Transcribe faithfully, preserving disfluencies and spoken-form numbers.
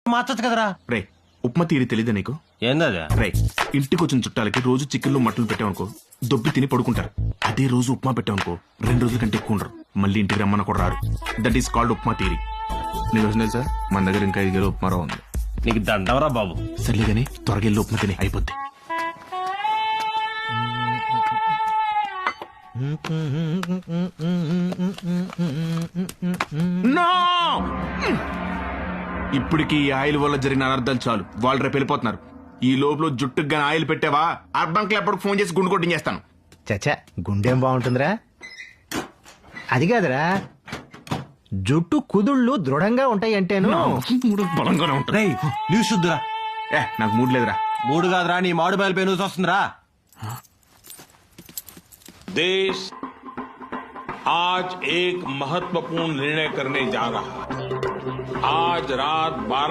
మార్చొచ్చు కదరా. రే ఉప్మా తీరి తెలీదా నీకు? ఏందది? రే ఇంటికి వచ్చిన చుట్టాలకి రోజు చికెన్లు మటన్లు పెట్టామనుకో దొబ్బి తిని పడుకుంటారు. అదే రోజు ఉప్మా పెట్టామనుకో రెండు రోజుల కంటే ఎక్కువ ఉండరు. మళ్ళీ ఇంటికి రమ్మన్న కూడా రారు. దట్ ఈస్ కాల్డ్ ఉప్మా తీరి. నీకు వచ్చినాయి సార్, మన దగ్గర ఇంకా ఐదు కిలో ఉప్మా రవ్వ ఉంది. నీకు దండవరా బాబు. సర్లే కానీ త్వరగా వెళ్ళి ఉప్మా తిని అయిపోద్ది. No! ఇప్పటికి ఈ ఆయిల్ వల్ల జరిగిన అనర్థాలు చాలు. వాళ్ళు రేపు వెళ్ళిపోతున్నారు. ఈ లోపల జుట్టుకు గాని ఆయిల్ పెట్టావా అర్బన్ క్లబ్ ఫోన్ చేసి గుండు కొట్టించేస్తాను. చచ్చా గుండెం బాగుంటుందిరా. అది కాదురా, జుట్టు కుదుళ్ళు దృఢంగా ఉంటాయి అంటేను. మూడు బలంగానే ఉంటాయి. రేయ్ న్యూస్ చూద్దురా. ఏ నాకు మూడు లేదురా. మూడు కాదురా, నీ మాడు బయలుపై న్యూస్ వస్తుందిరా. देश आज एक महत्वपूर्ण निर्णय करने जा रहा है. आज रात बारह